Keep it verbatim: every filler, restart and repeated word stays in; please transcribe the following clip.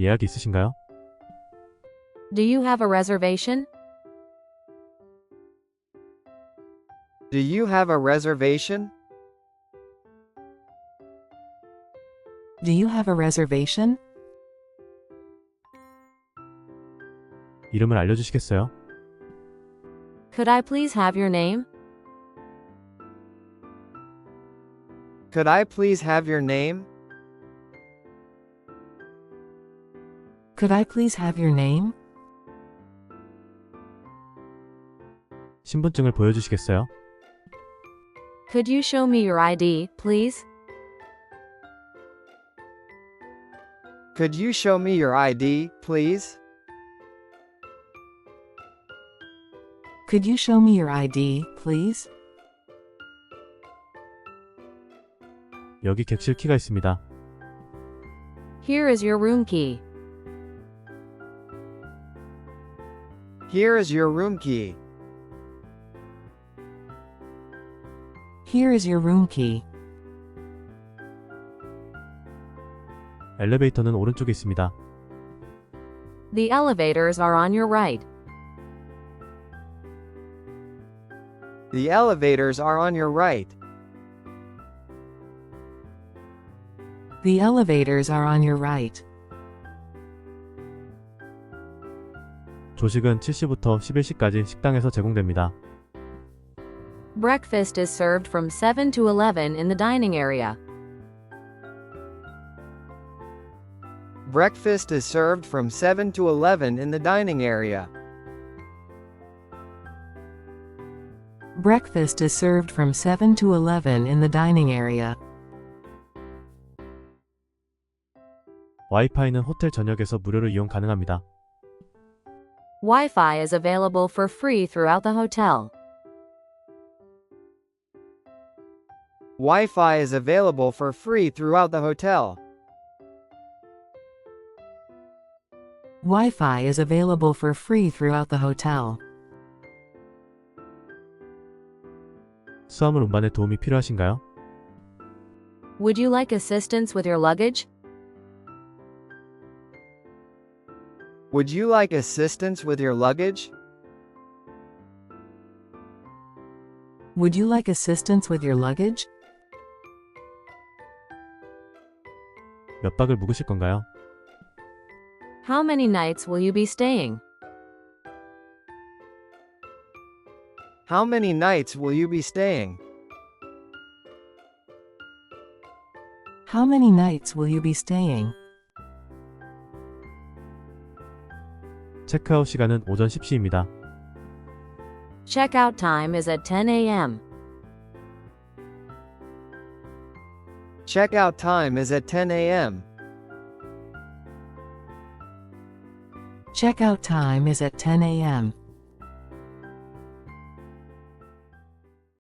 예약 있으신가요? Do you have a reservation? Do you have a reservation? Do you have a reservation? 이름을 알려주시겠어요? Could I please have your name? Could I please have your name? Could I please have your name? 신분증을 보여주시겠어요? Could you show me your I D, please? Could you show me your I D, please? Could you show me your I D, please? 여기 객실 키가 있습니다. Here is your room key. Here is your room key. Here is your room key. 엘리베이터는 오른쪽에 있습니다. The elevators are on your right. The elevators are on your right. The elevators are on your right. 조식은 칠 시부터 십일 시까지 식당에서 제공됩니다. Breakfast is served from seven to eleven in the dining area. Breakfast is served from seven to eleven in the dining area. Breakfast is served from seven to eleven in the dining area. 와이파이는 호텔 전역에서 무료로 이용 가능합니다. Wi-Fi is available for free throughout the hotel. Wi-Fi is available for free throughout the hotel. Wi-Fi is available for free throughout the hotel. 수화물 운반에 도움이 필요하신가요? Would you like assistance with your luggage? Would you like assistance with your luggage? Would you like assistance with your luggage? 몇 박을 묵으실 건가요? How many nights will you be staying? How many nights will you be staying? How many nights will you be staying? 체크아웃 시간은 오전 십 시입니다. Checkout time is at ten a m Checkout time is at ten a m Checkout time is at ten a m